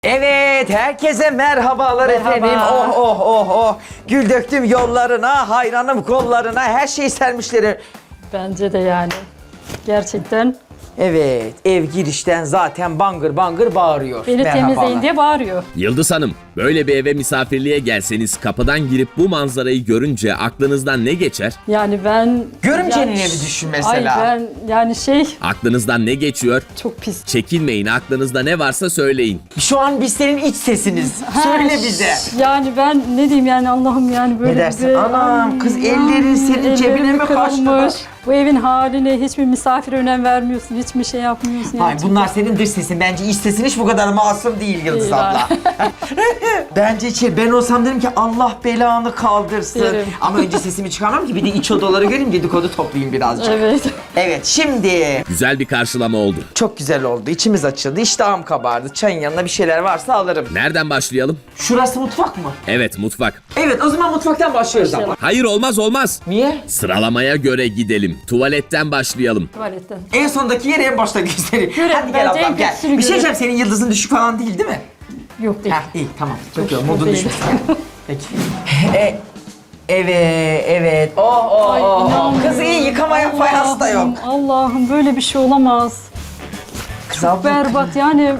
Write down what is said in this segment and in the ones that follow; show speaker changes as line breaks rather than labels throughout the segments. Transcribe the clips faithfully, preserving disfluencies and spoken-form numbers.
Evet, herkese merhabalar
Merhaba.
efendim. Oh oh oh oh. Gül döktüm yollarına, hayranım kollarına, her şeyi sermişleri.
Bence de yani. Gerçekten
Evet, ev girişten zaten bangır bangır bağırıyor.
beni
Merhabalar.
temizleyin diye bağırıyor.
Yıldız Hanım, böyle bir eve misafirliğe gelseniz kapıdan girip bu manzarayı görünce aklınızdan ne geçer?
Yani ben...
Görümcenin
yani-
evi düşün mesela.
Ay ben yani şey
Aklınızdan ne geçiyor?
çok pis.
Çekinmeyin, aklınızda ne varsa söyleyin.
Şu an biz senin iç sesiniz. Söyle bize.
Yani ben ne diyeyim yani Allah'ım yani böyle
Ne dersin?
bir...
Anam,
Ay,
kız
yani
ellerin senin
ellerim
cebine mi
kırılmış.
kaçtı?
Bu evin haline hiçbir misafir önem vermiyorsun, hiçbir şey yapmıyorsun.
Hayır,
gerçekten.
bunlar senin dış sesin. Bence iç sesin hiç bu kadar masum değil Yıldız
Değil
abla. Bence içeri, ben olsam derim ki Allah belanı kaldırsın.
Derim.
Ama önce sesimi çıkarmam ki bir de iç odaları göreyim, dedikodu toplayayım birazcık.
Evet.
Evet, şimdi
Güzel bir karşılama oldu.
çok güzel oldu. İçimiz açıldı, iştahım kabardı. Çayın yanına bir şeyler varsa alırım.
Nereden başlayalım?
Şurası mutfak mı?
Evet, mutfak.
Evet, o zaman mutfaktan başlıyoruz ama.
Hayır, olmaz olmaz.
Niye?
Sıralamaya göre gidelim. Tuvaletten başlayalım.
Tuvaletten.
En sondaki yeri en başta göstereyim.
Görelim,
Hadi gel
bence en
ablam gel.
kötüsünü
Bir şey
görelim.
diyeceğim, senin yıldızın düşük falan değil değil mi?
Yok değil.
Heh, iyi tamam. Bakıyorum,
şükür
modun
değil.
düşmüş. Peki. E, evet, evet. Oh, oh,
Ay,
oh, oh.
inanmıyorum.
Kız iyi, yıkamaya fayans da yok.
Allah'ım, Allah'ım böyle bir şey olamaz.
Kız
Çok
abla,
berbat yani.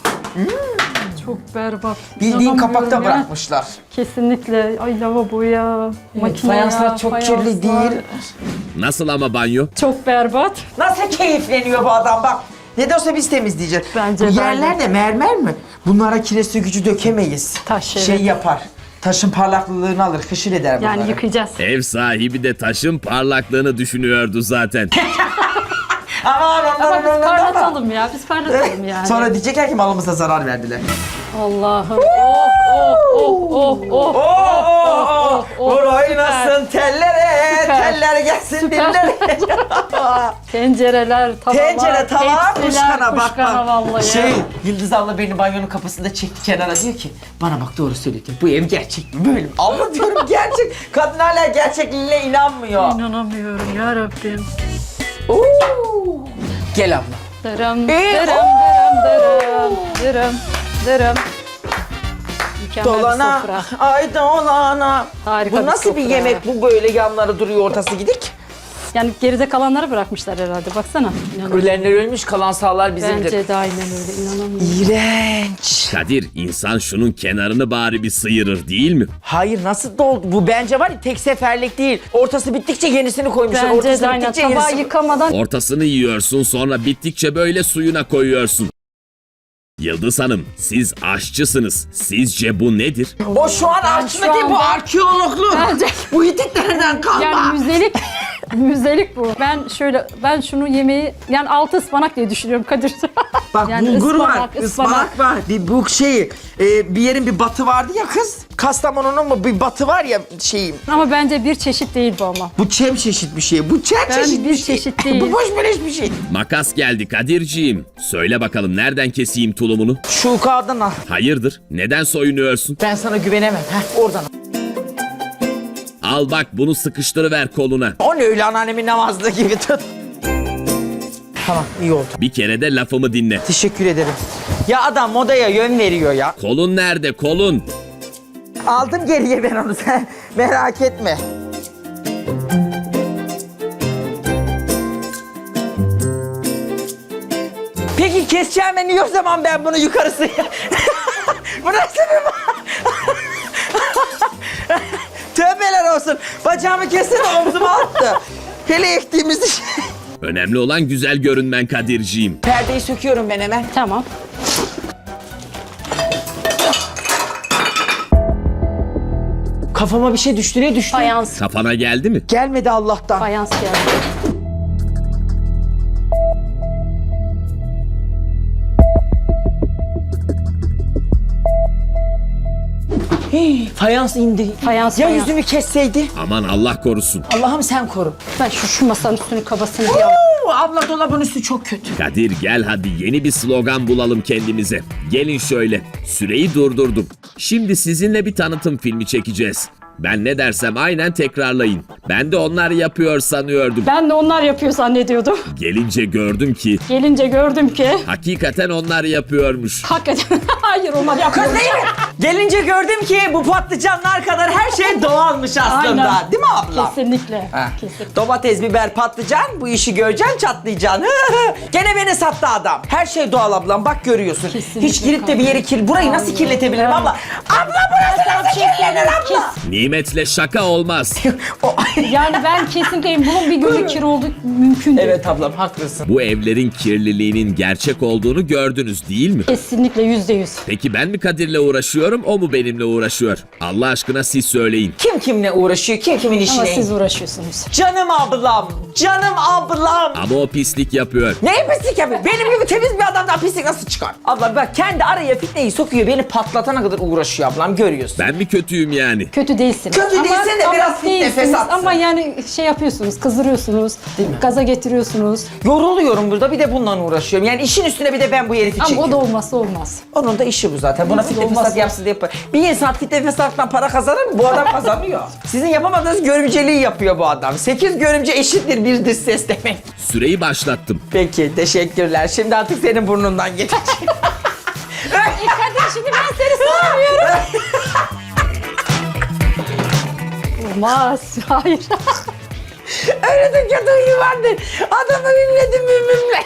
Çok berbat.
bildiğin
İnanamıyorum
kapakta
ya.
bırakmışlar.
Kesinlikle. Ay lavaboya,
Evet,
makine
fayanslar
ya,
çok
fayanslar.
kirli değil.
Nasıl ama banyo?
Çok berbat.
Nasıl keyifleniyor bu adam bak. Ne de olsa biz temizleyeceğiz.
Bence
Bu
de
yerler
öyle.
de mermer mi? Bunlara kireç sökücü dökemeyiz.
Taş, evet.
Şey yapar. Taşın parlaklılığını alır, hışır eder bunları.
Yani yıkayacağız.
Ev sahibi de taşın parlaklığını düşünüyordu zaten.
Aman ondan
Ama biz
ondan ondan.
parlatalım ya. Biz parlatalım yani.
Sonra diyecekler ki malımıza zarar verdiler.
Allah'ım. Oh oh oh oh oh.
Oo, oh,
oh, oh,
vur
süper.
oynasın tellere,
Süper.
teller gelsin
Süper.
dillere.
Tencereler, tavalar,
Tencere, tava,
tepsiler,
kuşkana bak
kuşkana
bak.
vallahi.
Şey, Yıldız abla beni banyonun kapısında çekti kenara, diyor ki bana bak doğru söyle diyor. Bu ev gerçek mi böyle mi? Abla diyorum gerçek. Kadın hala gerçekliğine inanmıyor.
İnanamıyorum ya Rabbim.
Oo. Gel abla.
Dırım,
Ee,
dırım, dırım, dırım, dırım, dırım. Mükemmel bir
Dolana,
sofra.
ay dolana.
Harika
Bu
bir
nasıl bir
sofra.
yemek bu, böyle yanları duruyor ortası gidik?
Yani geride kalanları bırakmışlar herhalde. Baksana. İnanamıyorum.
Ölenler ölmüş, kalan sağlar bizimdir.
Bence de aynen öyle. İnanamıyorum.
İğrenç.
Kadir, insan şunun kenarını bari bir sıyırır değil mi?
Hayır, nasıl doldu? Bu bence var ya, tek seferlik değil. Ortası bittikçe yenisini koymuşlar.
Bence
Ortası
de aynen.
bittikçe
Tabağı
yenisini...
yıkamadan
Ortasını yiyorsun, sonra bittikçe böyle suyuna koyuyorsun. Yıldız Hanım, siz aşçısınız. Sizce bu nedir?
O şu an aşçılık
şu
değil, bu
anda-
arkeologluk.
Bence-
Bu Hititlerden kalma.
yani müzelik müzelik bu. Ben şöyle ben şunu yemeği yani altı ıspanak diye düşünüyorum Kadir.
Bak
Yani
bulgur var,
ıspanak,
ıspanak,
ıspanak.
var. Bir bu şey, e, bir yerin bir batı vardı ya kız. Kastamonu'nun mu bir batı var ya şeyim.
Ama bence bir çeşit değil bu ama.
Bu çem çeşit bir şey. Bu çem
Ben
çeşit
bir
bir şey.
çeşit değil.
Bu boş beleş bir şey.
Makas geldi Kadirciğim. Söyle bakalım, nereden keseyim tulumunu?
Şu kağıdan al.
Hayırdır? Neden soyunuyorsun?
Ben sana güvenemem. Heh, oradan al.
Al bak, bunu sıkıştırıver koluna.
O ne öyle, anneannemin namazlığı gibi tut. Tamam, iyi oldu.
Bir kere de lafımı dinle.
Teşekkür ederim. Ya adam modaya yön veriyor ya.
Kolun nerede, kolun?
Aldım geriye ben onu, sen merak etme. Peki keseceğime niye o zaman ben bunu yukarısı... Bu nasıl bir... Tövbeler olsun. Bacağımı kesti de omzuma attı. Hele ektiğimiz iş.
Önemli olan güzel görünmen Kadirciğim.
Perdeyi söküyorum ben hemen.
Tamam.
Kafama bir şey düştü, ne düştü?
Fayans.
Kafana geldi mi?
Gelmedi Allah'tan.
Fayans geldi.
Hii, fayans indi.
Fayans,
Ya
fayans.
yüzümü kesseydi?
Aman Allah korusun.
Allah'ım sen koru.
Ben şu, şu masanın üstünü kabasını bir al.
Oo, abla dolabın üstü çok kötü.
Kadir gel hadi, yeni bir slogan bulalım kendimize. Gelin şöyle. Süreyi durdurdum. Şimdi sizinle bir tanıtım filmi çekeceğiz. Ben ne dersem aynen tekrarlayın. Ben de onlar yapıyor sanıyordum.
Ben de onlar yapıyor zannediyordum.
Gelince gördüm ki
Gelince gördüm ki
hakikaten onlar yapıyormuş.
hakikaten hayır onlar yapıyor.
Kız değil mi? Gelince gördüm ki bu patlıcanlar kadar her şey doğalmış aslında.
Aynen.
Değil mi abla?
Kesinlikle.
Ha.
Kesinlikle.
Domates, biber, patlıcan bu işi göreceksin çatlayacaksın. Gene beni sattı adam. Her şey doğal ablam bak görüyorsun.
Kesinlikle
Hiç girip de bir yeri kir. Burayı nasıl
Aynen.
kirletebilirim
Evet.
abla? Abla burası nasıl kirlenir abla?
Nimetle şaka olmaz.
O-
Yani ben kesinlikle bunun bir günlük kir olduğu mümkün değil.
evet ablam haklısın.
Bu evlerin kirliliğinin gerçek olduğunu gördünüz değil mi?
Kesinlikle yüzde yüz.
Peki ben mi Kadir'le uğraşıyorum, o mu benimle uğraşıyor? Allah aşkına siz söyleyin.
Kim kimle uğraşıyor? Kim kimin
Ama
işine?
siz uğraşıyorsunuz.
Canım ablam. Canım ablam.
Ama o pislik yapıyor.
Ne pislik yapıyor? Benim gibi temiz bir adamdan pislik nasıl çıkar? Abla bak kendi araya fitneyi sokuyor. Beni patlatana kadar uğraşıyor ablam görüyorsun.
Ben mi kötüyüm yani?
Kötü değilsiniz.
Kötü değilsin de
ama
biraz fitne
değilsiniz.
fesatsın.
Ama yani şey yapıyorsunuz, kızdırıyorsunuz, gaza getiriyorsunuz.
Yoruluyorum burada bir de bununla uğraşıyorum. Yani işin üstüne bir de ben bu herifi
Ama
çekiyorum.
o da olmazsa olmaz.
Onun da işi bu zaten. Buna fitne
olmaz
fesat
ya.
yapsın diye yapar. Bir insan fitne fesattan para kazanır mı? Bu adam kazanıyor. Sizin yapamadığınız görümceliği yapıyor bu adam. Sekiz görümce eşittir bir dış ses demek.
Süreyi başlattım.
Peki teşekkürler. Şimdi artık senin burnundan geçecek.
E Kadir şimdi ben seni sığamıyorum. Olmaz. Hayır.
Öyle de kötü huyu vardır. Adamı mimledim mimle.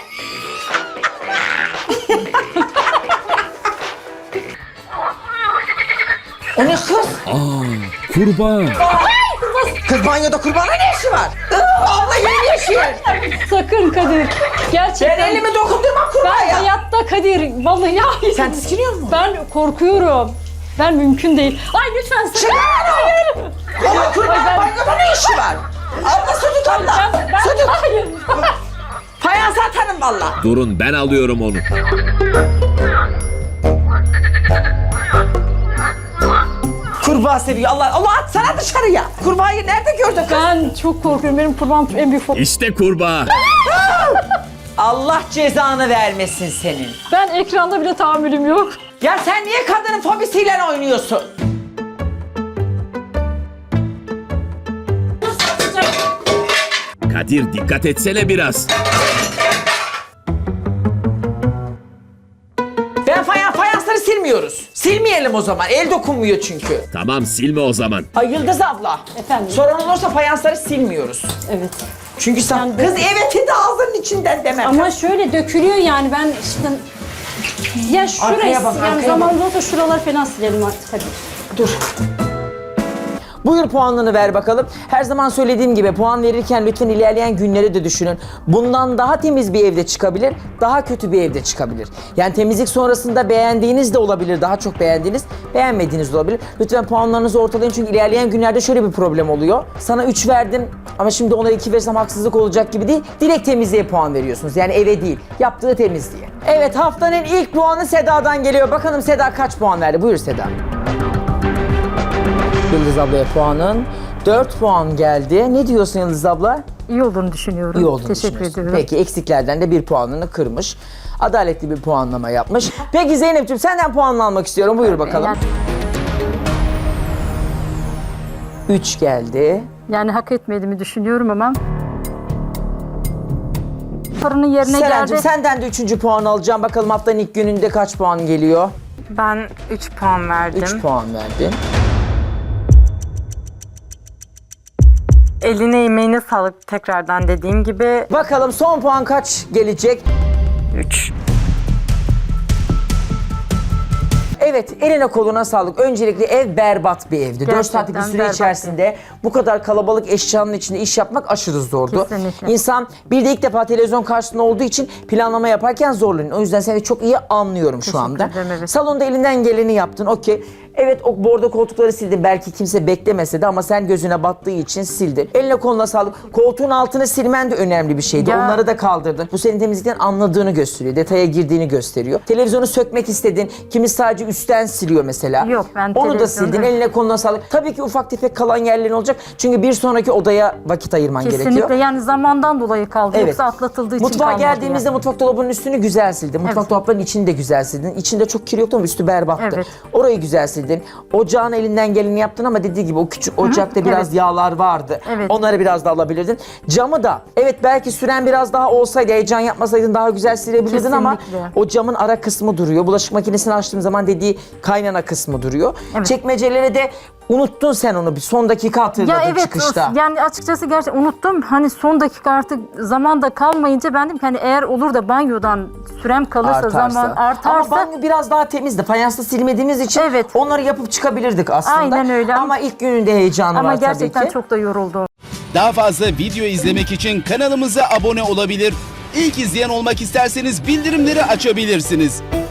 O ne kız?
Aa, kurban.
Kız banyoda kurbana ne işi var? Iı, abla yeni yaşıyor.
Sakın Kadir. Gerçekten.
Ben elimi dokundurmam
Ben
kurbağaya.
hayatta Kadir. Vallahi hayır.
Sen tiskiniyor musun?
Ben korkuyorum. Ben mümkün değil. Ay lütfen sakın.
Çıkar onu. Ama kurbanın
ben-
banyoda ne işi var? Abla su tut abla.
Ben, ben,
Su tut.
hayır.
Fayans atarım valla.
Durun ben alıyorum onu.
Kurbağa seviyor. Allah Allah at sana dışarıya. Kurbağayı nerede gördün kız?
Ben çok korkuyorum. Benim kurban en büyük fobim.
İşte kurbağa.
Allah cezanı vermesin senin.
Ben ekranda bile tahammülüm yok.
Ya sen niye kadının fobisiyle oynuyorsun?
Kadir dikkat etsene biraz.
Ben fayans, fayansları silmiyoruz. Silmeyelim o zaman. El dokunmuyor çünkü.
Tamam silme o zaman.
Ay Yıldız abla.
Efendim?
Sorun olursa fayansları silmiyoruz.
Evet.
Çünkü sen
Yani
kız evet de ağzının içinden demem.
Ama şöyle dökülüyor yani ben işte... Ya şurası,
Arkaya bak,
yani
arkaya
zamanında da şuralar falan silelim artık hadi.
Dur. Buyur puanını ver bakalım. Her zaman söylediğim gibi puan verirken lütfen ilerleyen günleri de düşünün. Bundan daha temiz bir evde çıkabilir, daha kötü bir evde çıkabilir. Yani temizlik sonrasında beğendiğiniz de olabilir, daha çok beğendiğiniz, beğenmediğiniz de olabilir. Lütfen puanlarınızı ortalayın çünkü ilerleyen günlerde şöyle bir problem oluyor. Sana üç verdim ama şimdi ona iki versem haksızlık olacak gibi değil. Direkt temizliğe puan veriyorsunuz. Yani eve değil, yaptığı temizliğe. Evet haftanın ilk puanı Seda'dan geliyor. Bakalım Seda kaç puan verdi? Buyur Seda. Yıldız ablaya puanın dört puan geldi. Ne diyorsun Yıldız abla?
İyi olduğunu düşünüyorum.
İyi olduğunu
Teşekkür
düşünüyorsun.
ediyorum.
Peki eksiklerden de bir puanını kırmış. Adaletli bir puanlama yapmış. Peki Zeynep'ciğim senden puan almak istiyorum. Buyur bakalım.
Yani,
üç geldi.
yani hak etmediğimi düşünüyorum ama... Sorunun yerine
Serencim
geldi.
senden de üçüncü puan alacağım. Bakalım haftanın ilk gününde kaç puan geliyor?
Ben üç puan verdim.
üç puan verdin.
Eline emeğine sağlık tekrardan dediğim gibi.
Bakalım son puan kaç gelecek?
üç.
Evet, eline koluna sağlık. Öncelikle ev berbat bir evdi. dört saatlik bir
Gerçekten
süre
berbat
içerisinde bu kadar kalabalık eşyanın içinde iş yapmak aşırı zordu.
Kesinlikle.
İnsan bir de ilk defa televizyon karşısında olduğu için planlama yaparken zorlanıyor. O yüzden seni çok iyi anlıyorum şu anda.
ederim, evet.
Salonda elinden geleni yaptın, okey. Evet, o bordo koltukları sildin. Belki kimse beklemese de ama sen gözüne battığı için sildin. Eline koluna sağlık. Koltuğun altını silmen de önemli bir şeydi.
Ya.
Onları da kaldırdın. Bu senin temizlikten anladığını gösteriyor. Detaya girdiğini gösteriyor. Televizyonu sökmek istedin. Kimi sadece üstten siliyor mesela.
Yok, ben
Onu da
televizyonu-
sildin. Eline koluna sağlık. Tabii ki ufak tefek kalan yerlerin olacak. Çünkü bir sonraki odaya vakit ayırman
Kesinlikle
gerekiyor.
yani zamandan dolayı kaldı.
Evet.
Yoksa atlatıldığı için
Mutfağa
kalmadı
geldiğimizde
yani.
mutfak dolabının üstünü güzel sildin. Mutfak
Evet.
dolaplarının içini de güzel sildin. İçinde çok kir yoktu ama üstü berbattı.
Evet.
Orayı güzel sildin. verdin. Ocağın elinden geleni yaptın ama dediği gibi o küçük ocakta biraz
evet.
yağlar vardı.
Evet.
Onları biraz da alabilirdin. Camı da evet belki süren biraz daha olsaydı, heyecan yapmasaydın daha güzel silebilirdin ama
Kesinlikle.
o camın ara kısmı duruyor. Bulaşık makinesini açtığım zaman dediği kaynana kısmı duruyor.
Evet.
Çekmecelere de unuttun sen onu, bir son dakika hatırladın
Ya evet,
çıkışta.
o- yani açıkçası gerçekten unuttum. Hani son dakika artık zaman da kalmayınca ben dedim ki hani eğer olur da banyodan sürem kalırsa, zaman artarsa.
Ama banyo biraz daha temizdi. Fayansla silmediğimiz için
Evet.
onları yapıp çıkabilirdik aslında.
Aynen öyle.
Ama ilk gününde heyecanı
ama
var
gerçekten
tabii ki.
çok da yoruldum.
Daha fazla video izlemek için kanalımıza abone olabilir. İlk izleyen olmak isterseniz bildirimleri açabilirsiniz.